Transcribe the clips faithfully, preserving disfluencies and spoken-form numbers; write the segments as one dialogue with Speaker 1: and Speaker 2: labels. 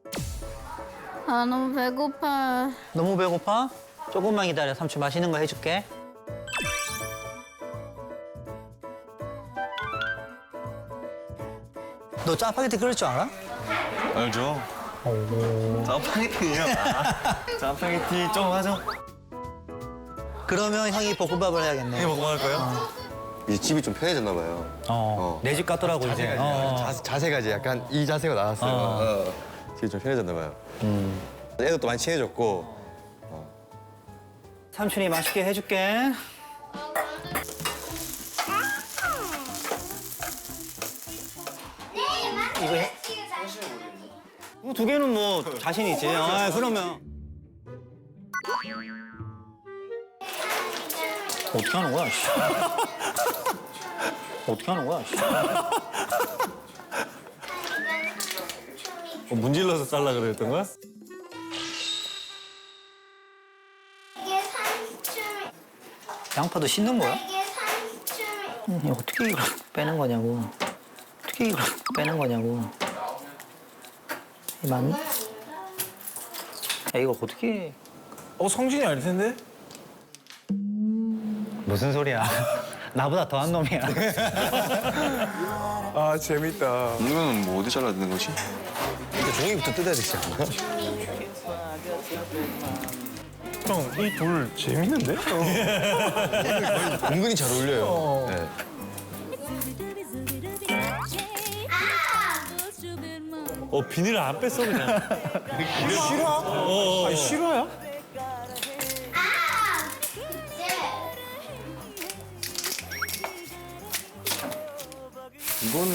Speaker 1: 아, 너무 배고파.
Speaker 2: 너무 배고파? 조금만 기다려. 삼촌 맛있는 거 해줄게. 너 짜파게티 끓일 줄 알아?
Speaker 3: 알죠? 짜파게티요? 짜파게티 좀 하죠.
Speaker 2: 그러면 형이 볶음밥을 해야겠네.
Speaker 3: 이거 먹고 할까요?
Speaker 4: 이 집이 좀 편해졌나 봐요.
Speaker 2: 어, 내 집 같더라고 이제.
Speaker 4: 자세가,
Speaker 2: 어, 어.
Speaker 4: 자, 자세가 이제 약간 이 자세가 나왔어요.
Speaker 2: 어.
Speaker 4: 어. 집이 좀 편해졌나 봐요. 애도 또 많이 친해졌고.
Speaker 2: 삼촌이 맛있게 해줄게. 이거 해? 이거 두 개는 뭐 자신 있지. 아, 그러면. 어떻게 하는 거야, 씨. 어떻게 하는 거야, 씨.
Speaker 3: 어, 문질러서 잘라 그랬던 거야?
Speaker 5: 이게 삼촌,
Speaker 2: 양파도 씻는 거야?
Speaker 5: 이게 삼촌.
Speaker 2: 음, 이거 어떻게 이걸 빼는 거냐고. 어떻게 이걸 빼는 거냐고. 이 맞니? 야, 이거 어떻게.
Speaker 3: 어, 성진이 아닐 텐데?
Speaker 2: 무슨 소리야. 나보다 더한 놈이야.
Speaker 6: 아 재밌다.
Speaker 4: 이거는 뭐 어디 잘라야 되는 거지? 일단 종이부터 뜯어야 되지 않나?
Speaker 6: 형 이 돌 재밌는데?
Speaker 4: 은근히 잘 어울려요. 네.
Speaker 3: 어, 비닐을 안 뺐어, 그냥.
Speaker 6: 실화?
Speaker 3: 어,
Speaker 6: 아니 실화야?
Speaker 4: 이거는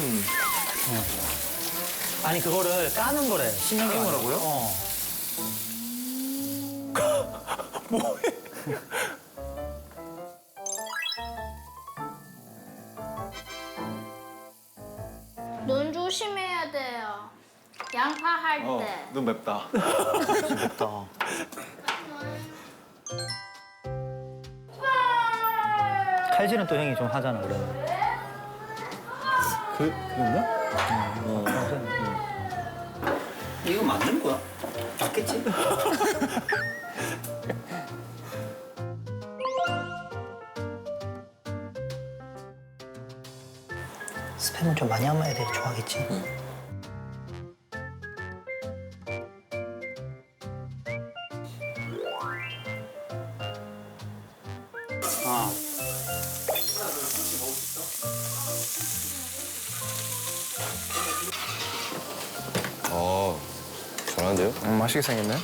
Speaker 2: 아니, 그거를 까는 거래. 씻는 게 거라고요? 어.
Speaker 1: 눈 조심해야 돼요. 양파 할 때.
Speaker 3: 어, 눈 맵다.
Speaker 2: 맵다. 칼질은 또 형이 좀 하잖아, 그러면.
Speaker 3: 그, 그랬나?
Speaker 2: 이거 맞는 거야? 맞겠지? 스팸은 좀 많이 하면 애들이 좋아하겠지? 아.
Speaker 4: 어 잘하는데요?
Speaker 6: 음, 맛있게 생겼네.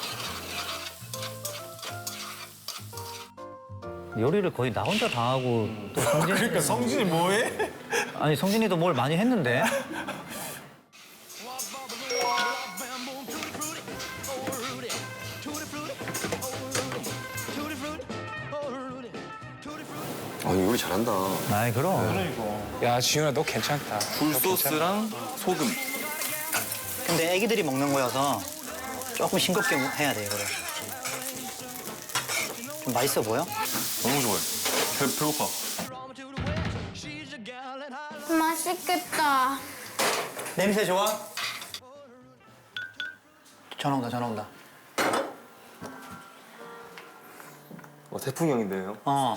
Speaker 2: 요리를 거의 나 혼자 다 하고 또 성진이
Speaker 3: 그러니까 성진이 뭐해?
Speaker 2: 아니 성진이도 뭘 많이 했는데
Speaker 4: 아 이거 요리 잘한다.
Speaker 2: 아이 그럼
Speaker 6: 야 지훈아 너 괜찮다.
Speaker 3: 굴소스랑 소금.
Speaker 2: 근데 애기들이 먹는 거여서 조금 싱겁게 해야 돼 이거를 좀 맛있어 보여?
Speaker 3: 너무 좋아요. 배, 배고파.
Speaker 1: 맛있겠다.
Speaker 2: 냄새 좋아? 전화 온다 전화 온다
Speaker 3: 어, 태풍이 형인데요.
Speaker 2: 어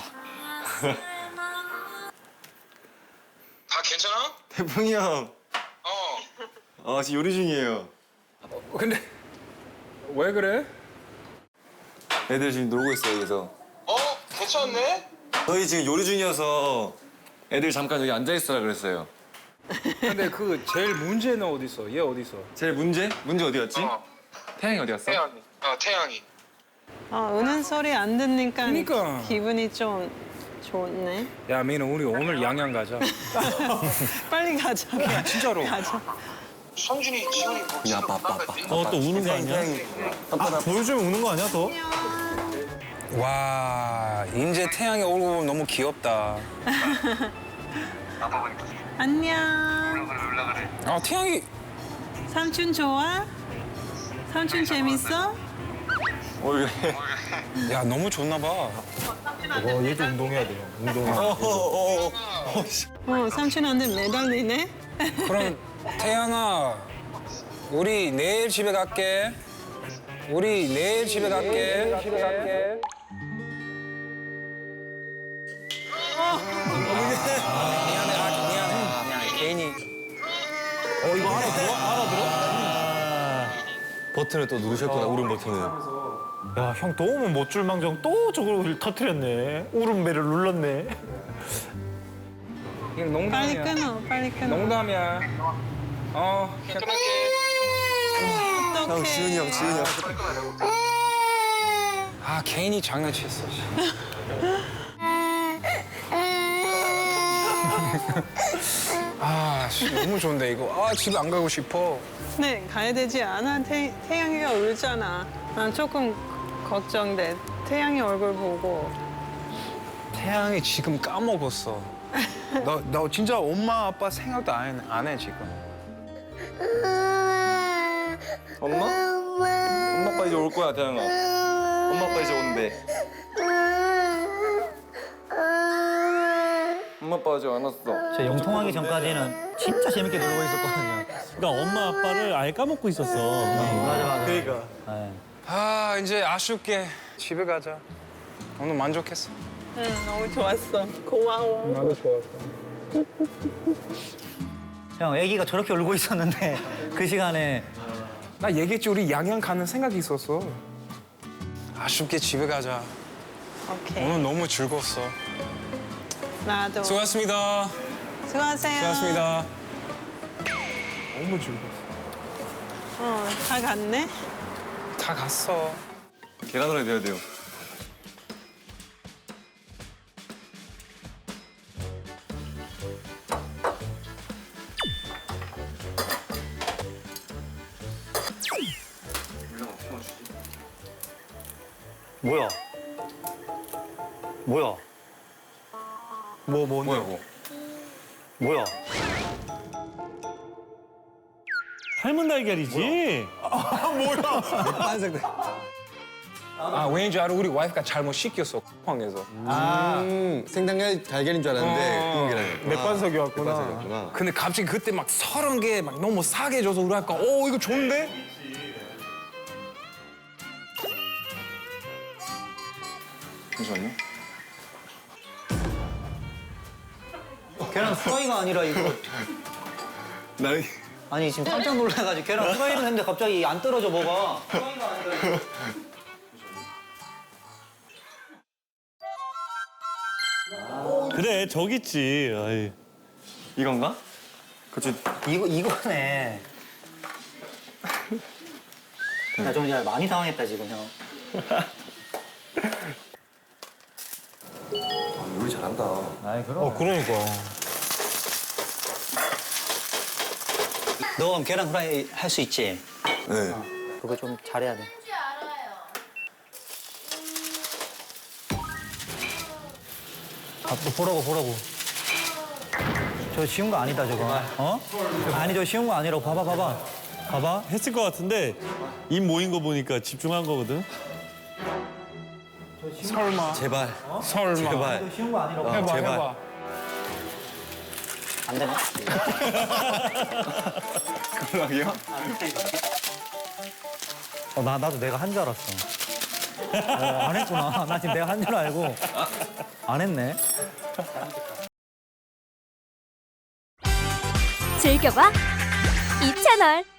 Speaker 7: 다 괜찮아?
Speaker 3: 태풍이 형.
Speaker 7: 어.
Speaker 3: 아, 지금 요리 중이에요.
Speaker 6: 근데 왜 그래?
Speaker 3: 애들 지금 놀고 있어요, 여기서.
Speaker 7: 어? 괜찮네?
Speaker 3: 저희 지금 요리 중이어서 애들 잠깐 여기 앉아있으라 그랬어요.
Speaker 6: 근데 그 제일 문제는 어디 있어? 얘 어디 있어?
Speaker 3: 제일 문제? 문제 어디였지?
Speaker 7: 어.
Speaker 3: 태양이 어디 갔어?
Speaker 7: 태양이. 어, 태양이.
Speaker 8: 아, 우는 소리 안 듣니까
Speaker 6: 그러니까.
Speaker 8: 기분이 좀 좋네.
Speaker 6: 야 민우 우리 오늘 양양 가자.
Speaker 8: 빨리 가자.
Speaker 6: 야, 진짜로.
Speaker 8: 가자.
Speaker 7: 성준이, 지훈이 뭐
Speaker 3: 야, 아빠, 아빠, 아빠.
Speaker 9: 어, 또 우는 거 아니야? 아, 보여주면 우는 거 아니야, 더?
Speaker 6: 와 이제 태양이 얼굴 너무 귀엽다.
Speaker 8: 안녕.
Speaker 6: 아 태양이
Speaker 8: 삼촌 좋아? 삼촌 재밌어?
Speaker 3: 어, 왜?
Speaker 6: 야 너무 좋나 봐.
Speaker 9: 어, 얘도 운동해야 돼요. 운동.
Speaker 3: 어, 어, 어, 어.
Speaker 8: 어, 삼촌한테 매달리네.
Speaker 6: 그럼 태양아 우리 내일 집에 갈게. 우리 내일 집에 갈게. 집에 갈게. 미안해, 아, 미안해. 미안해, 괜히.
Speaker 4: 버튼을 또 누르셨구나, 울음 버튼을.
Speaker 9: 야, 형 또 오면 못 줄망정 또 저걸 터트렸네. 울음배를 눌렀네.
Speaker 6: 이거 농담이야.
Speaker 8: 빨리 끊어, 빨리 끊어.
Speaker 6: 농담이야. 어,
Speaker 7: 끊을게.
Speaker 8: 어떡해.
Speaker 4: 지훈이 형, 지훈이 형.
Speaker 6: 아, 괜히 장난쳤어. 아, 씨, 너무 좋은데 이거. 아, 집에 안 가고 싶어.
Speaker 8: 네, 가야 되지 않아? 태, 태양이가 울잖아. 난 조금 걱정돼. 태양이 얼굴 보고.
Speaker 6: 태양이 지금 까먹었어. 너, 너 진짜 엄마 아빠 생각도 안 해, 안 해 지금.
Speaker 3: 엄마? 엄마 아빠 이제 올 거야, 태양아. 엄마 아빠 이제 온대. 엄마 아빠 아직 안 왔어.
Speaker 2: 저 영통하기 전까지는 진짜 재밌게 놀고 있었거든요.
Speaker 9: 그러니까 엄마 아빠를 아예 까먹고 있었어.
Speaker 2: 맞아 맞아.
Speaker 9: 그러니까.
Speaker 2: 네.
Speaker 6: 아, 이제 아쉽게 집에 가자. 오늘 만족했어.
Speaker 8: 응, 너무 좋았어. 고마워.
Speaker 6: 나도 좋았어.
Speaker 2: 형, 아기가 저렇게 울고 있었는데 그 시간에
Speaker 6: 나 얘기했지, 우리 양양 가는 생각이 있었어. 아쉽게 집에 가자.
Speaker 8: 오케이.
Speaker 6: 오늘 너무 즐거웠어.
Speaker 8: 나도.
Speaker 6: 수고하셨습니다.
Speaker 8: 수고하세요.
Speaker 6: 수고하셨습니다. 너무 즐거웠어.
Speaker 8: 어, 다 갔네?
Speaker 6: 다 갔어.
Speaker 3: 계란 후라이 돼야 돼요.
Speaker 2: 뭐야? 뭐야?
Speaker 9: 뭐, 뭐,
Speaker 3: 뭐야, 뭐.
Speaker 2: 뭐야?
Speaker 9: 삶은 달걀이지?
Speaker 6: 아, 왠줄 알아? 우리 와이프가 잘못 시켰어, 쿠팡에서.
Speaker 4: 음, 생닭살 달걀인 줄 알았는데,
Speaker 6: 어.
Speaker 4: 그런 게 아니야.
Speaker 9: 맥반석이 왔구나.
Speaker 4: 맥반석이었구나.
Speaker 6: 근데 갑자기 그때 막 서른 개 막 너무 싸게 줘서 우리 아까 오, 이거 좋은데?
Speaker 3: 잠시만요.
Speaker 2: 계란 후라이가 아니라 이거
Speaker 3: 나이.
Speaker 2: 아니 지금 깜짝 놀라가지고 계란 후라이를 했는데 갑자기 안 떨어져 뭐가. 후라이가 아니라 이거.
Speaker 9: 그래, 저기 있지. 아이.
Speaker 3: 이건가? 그치.
Speaker 2: 이거 이거네. 나 좀 이제 많이 당황했다 지금 형.
Speaker 3: 요리 잘한다.
Speaker 2: 아이 그럼.
Speaker 9: 어, 그러니까.
Speaker 2: 너 그럼 계란 후라이 할 수 있지?
Speaker 3: 네.
Speaker 2: 그거 좀 잘해야 돼.
Speaker 1: 뭔지 알아요.
Speaker 2: 아, 또 보라고 보라고. 저 쉬운 거 아니다 저거. 어? 아니 저 쉬운 거 아니라고. 봐봐 봐봐. 봐봐.
Speaker 9: 했을 것 같은데 입 모인 거 보니까 집중한 거거든.
Speaker 6: 설마.
Speaker 4: 제발.
Speaker 6: 설마.
Speaker 4: 제발.
Speaker 2: 저 쉬운 거 아니라고.
Speaker 6: 해봐,
Speaker 4: 제발.
Speaker 6: 해봐.
Speaker 2: 안 되나?
Speaker 3: 그러게요?
Speaker 2: 어, 나 나도 내가 한 줄 알았어. 어, 안 했구나. 나 지금 내가 한 줄 알고 안 했네.
Speaker 10: 즐겨봐 이 채널.